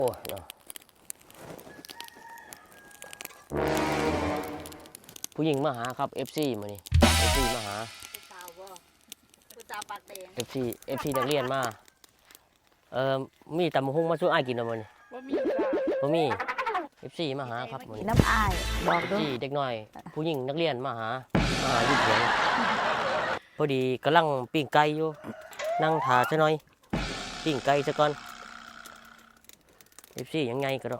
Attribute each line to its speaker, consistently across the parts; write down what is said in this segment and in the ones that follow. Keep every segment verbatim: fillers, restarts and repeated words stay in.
Speaker 1: โอ้เนาะผู้หญิงมาหาครับ เอฟ ซี มานี่ เอฟ ซี มาหา เอฟ ซี เอฟ ซี นักเรียนมาเอ่อมีตำมะฮุ่งมาช่วยอ้ายกินหน่อยมั้ยบ่มีบ่มี เอฟ ซี มาหาครับมื้อนี้
Speaker 2: น้ำอายบอกด้วย
Speaker 1: เอฟ ซี เด็กน้อย ผู้หญิงนักเรียนมาหามาหาอยู่เถียงพอดีกำลังปิ้งไก่อยู่นั่งท่าซะหน่อยปิ้งไก่ซะก่อน เอฟ ซี ยังไงก็ได้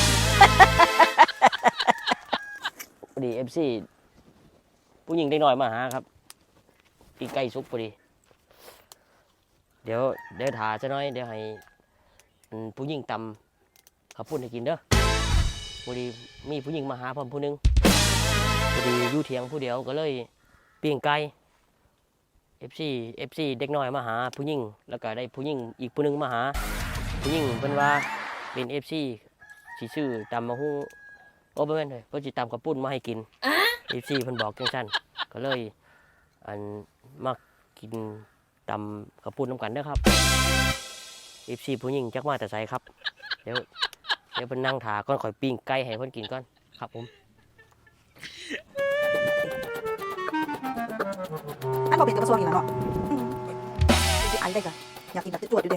Speaker 1: พอดี เอฟ ซี ผู้หญิงเด็กน้อยมาหาครับปิ้งไก่สุกพอดีเดี๋ยวเดี๋ยวถ่าซะหน่อยเดี๋ยวให้ผู้หญิงตำข้าวปุ้นให้กินเด้อพอดีมีผู้หญิงมาหาพร้อมผู้นึงพอดีอยู่เถียงผู้เดียวก็เลยปิ้งไก่ เอฟ ซี เอฟ ซี เด็กน้อยมาหาผู้หญิงแล้วก็ได้ผู้หญิงอีกผู้นึงมาหาผู้หญิงเพิ่นว่าเป็น เอฟ ซี สิซื้อตำมะฮุ่งโอ้บ่แม่นเลยเพิ่นสิตำข้าวปุ้นมาให้กิน เอฟ ซี เพิ่นบอกจังซั่นก็เลยอันมากินตำข้าวปุ้นนำกันเด้อครับ เอฟ ซี ผู้หญิงจักมาแต่ไสครับเดี๋ยวเดี๋ยวเพิ่นนั่งท่าก่อนข่อยปิ้งไก่ให้เพิ่นกินก่อนครับผม
Speaker 2: อันบอกเป็นกระทรวงอีกแล้วเนาะที่ไอ้ได้กะอยากกินแบบตรวจอยู่เด้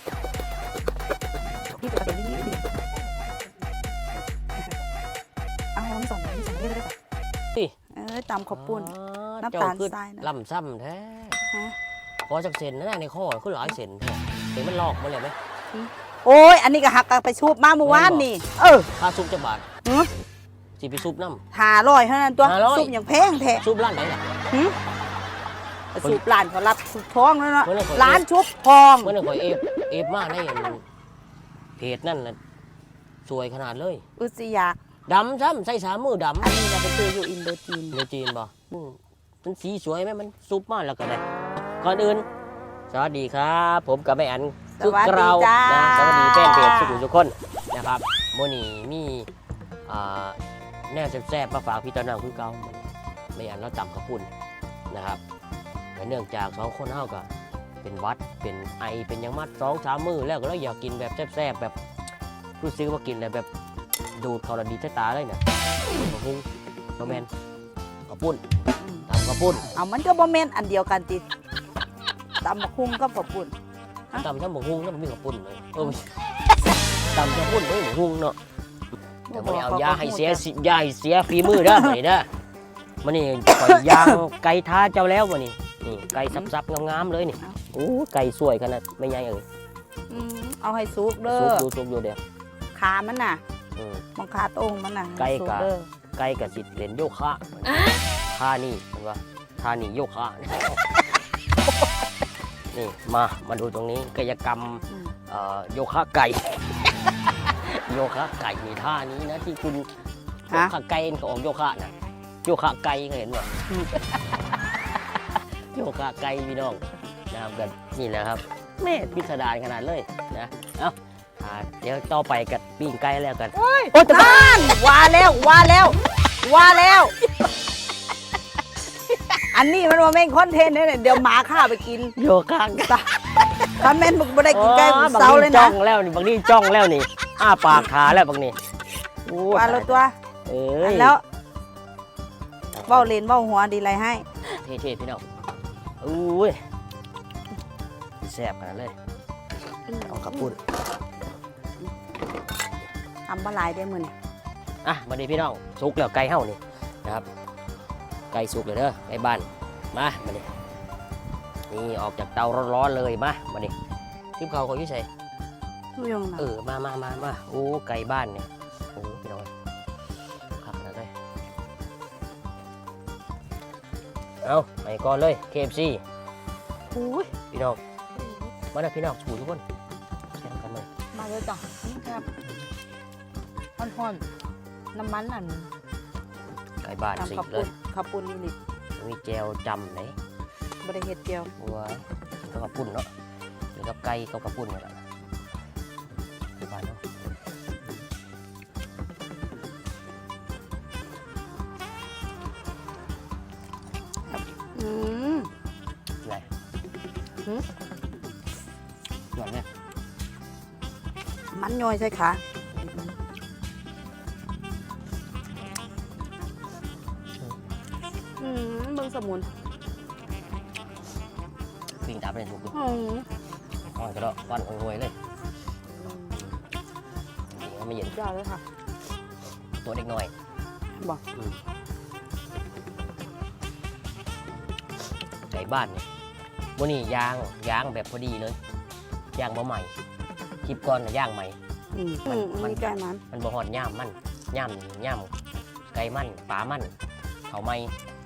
Speaker 2: พี่ตัวประเด็นนี้ดีเอาน้ำสองน้ำสองได้เลยจ้ะเออตำข้าวปุ้นน้ำตาลทรายนะ
Speaker 1: ลำซ้ำแท้ขอจักเส้นนะในข้อคือหลายเส้นแท้เห็นมันลอกมาเลยไหม
Speaker 2: โอ้ยอันนี้ก็หักไปซุปมาเมื่อวานนี่เออ
Speaker 1: ค่าซุปจะบาทสิไปซุปน้ำ
Speaker 2: หาร้อยเท่านั้นตัวซุปอย่างแพงแท้
Speaker 1: ซุปร้านไหนล่ะ
Speaker 2: ซุปร้านเขารับซุปทองแล้วเนาะร้านชุบทอง
Speaker 1: เมื่อนั้นข่อยเอฟเอฟมาได้เพจนั่นน่ะสวยขนาดเลย
Speaker 2: อุสยาก
Speaker 1: ดำซ้ำใส่สามมือดำ
Speaker 2: อันนี้เราไปซื้ออยู่อินโดจีน
Speaker 1: อินโดจีนป่ะมันสีสวยไหมมันซุปมากแล้วก็ได้ก่อนอื่นสวัสดีครับผมกับแม่อัน
Speaker 2: สุกเรา
Speaker 1: นะสวัสดีแฟนเพจสุขุมทุกคนนะครับโมนี่มีแนวแซ่บๆมาฝากพี่ตอนนั้นคือเก่าแม่อันเราตำข้าวปุ้นนะครับเนื่องจากสองคนเฮาก็เป็นวัดเป็นไอเป็นยังมัดสองสามมือแล้วก็เราอยากกินแบบแซ่บๆแบบรู้สึกว่ากินแบบดูดเขาละดีใต้ตาเลยเนี่ยข้าวปุ้นข้าวแมนข้าวปุ้นตำข้าวปุ้น
Speaker 2: เอามันก็บ่แม่นอันเดียวกันติตำบักหุ่งกับข้าวปุ้น
Speaker 1: ตำทั้งบักหุ่งแล้วมันมีข้าวปุ้นเลยเออตำข้าวปุ้นไม่บักหุ่งเนาะแต่ไม่เอายาให้เสียยาให้เสียฝีมือเด้อนี่เด้อมันนี่ปล่อยยางไก่ท้าเจ้าแล้วมันนี่นี่ไก่ซับๆงามๆเลยนี่โอ้ไก่สวยขนาดไม่ใหญ่เอ่ย
Speaker 2: เอาให้สุกเด้อ
Speaker 1: สุกอยู่สุกอยู่เดี๋ยว
Speaker 2: ขามันน่ะบังคาตรงมันน่ะ
Speaker 1: ไก่กะไก่กะสิเล่นโยคะท่านี่เห็นป่ะท่านี่โยคะนี่มามาดูตรงนี้กายกรรมโยคะไก่โยคะไก่มีท่านี้นะที่คุณโยคะไก่เขาออกโยคะนะโยคะไก่เห็นป่ะโยคะไก่พี่น้องนะครับกันนี่แหละครับแม่พิสดารขนาดเลยนะเอ้าเดี๋ยวต่อไปกับปิ้งไก่แล้วกัน
Speaker 2: โอ้ยนั่นว่าแล้วว่าแล้วว่าแล้วอันนี้มันว่าแม่งคอนเทนต์เนี่ยเดี๋ยวหมาข้าไปกิน
Speaker 1: โยคะ
Speaker 2: ถ้าแม่นมึงไม่ได้กินไก่เสาเลยนะ
Speaker 1: จ้องแล้วนี่บางนี่จ้องแล้วนี่อ้าปากขาแล้วบางนี่
Speaker 2: ว่าแล้วตัว
Speaker 1: เออ
Speaker 2: แล้วเบ้าเลนเบ้าหัวดีไรให้
Speaker 1: เท่ๆพี่น้องอุ้ยแซ่บขนาดเลยเอาข้าวปุ้น
Speaker 2: ทำปลาไหลได้มือนี่
Speaker 1: อ่ะมาดีพี่น้องสุกแล้วไก่เห่านี่นะครับไก่สุกเลยเด้อไก่บ้านมามาดินี่ออกจากเตาร้อนๆเลยมามาดิทิพเขาเขาอยู่ใส่เออมามามามาโอ้ไก่บ้านเนี่ยโอ้พี่น้องขับนะเลยเอาไปก่อนเลย เค เอฟ ซี
Speaker 2: โอ้ย
Speaker 1: พี่น้องมาได้พี่น้องถูทุกคนแข่งกันเลย
Speaker 2: มาเลยจ้ะครับห่อนๆน้ำมันนั่น
Speaker 1: ไก่บ้านสีเลย
Speaker 2: ข้าวปุ้นนี่นี่
Speaker 1: มีแจวจำไหน
Speaker 2: บริเฮ็ดเจียว
Speaker 1: วัวกับข้าวปุ้นเนาะหรือกับไก่กับข้าวปุ้นนี่แหละไก่บ้านเนาะ
Speaker 2: อืม
Speaker 1: อะไรหืมหวานเนี่ย
Speaker 2: มัมันย่อยใช่ค่ะอืมเบิ่งสมุน
Speaker 1: ปิ่งตับเลยถูกอยู่
Speaker 2: อืม
Speaker 1: อ่อนก็ได้วันห่วยๆเลยจริงๆมันไม่เย็น
Speaker 2: ยอดเลยค่ะ
Speaker 1: ตัวเด็กน้อย
Speaker 2: บอก
Speaker 1: อืมไก่บ้านเนี่ยวันนี้ย่างย่างแบบพอดีเลยย่างบ่ใหม่คลิปก่อนน่ะย่างใหม่
Speaker 2: อืม
Speaker 1: มัน
Speaker 2: อืม
Speaker 1: มัน
Speaker 2: มีไก่มัน
Speaker 1: มันบ่ฮอดย่ามมันย่ามนี่ย่ามไก่มันปลามันเขาไม่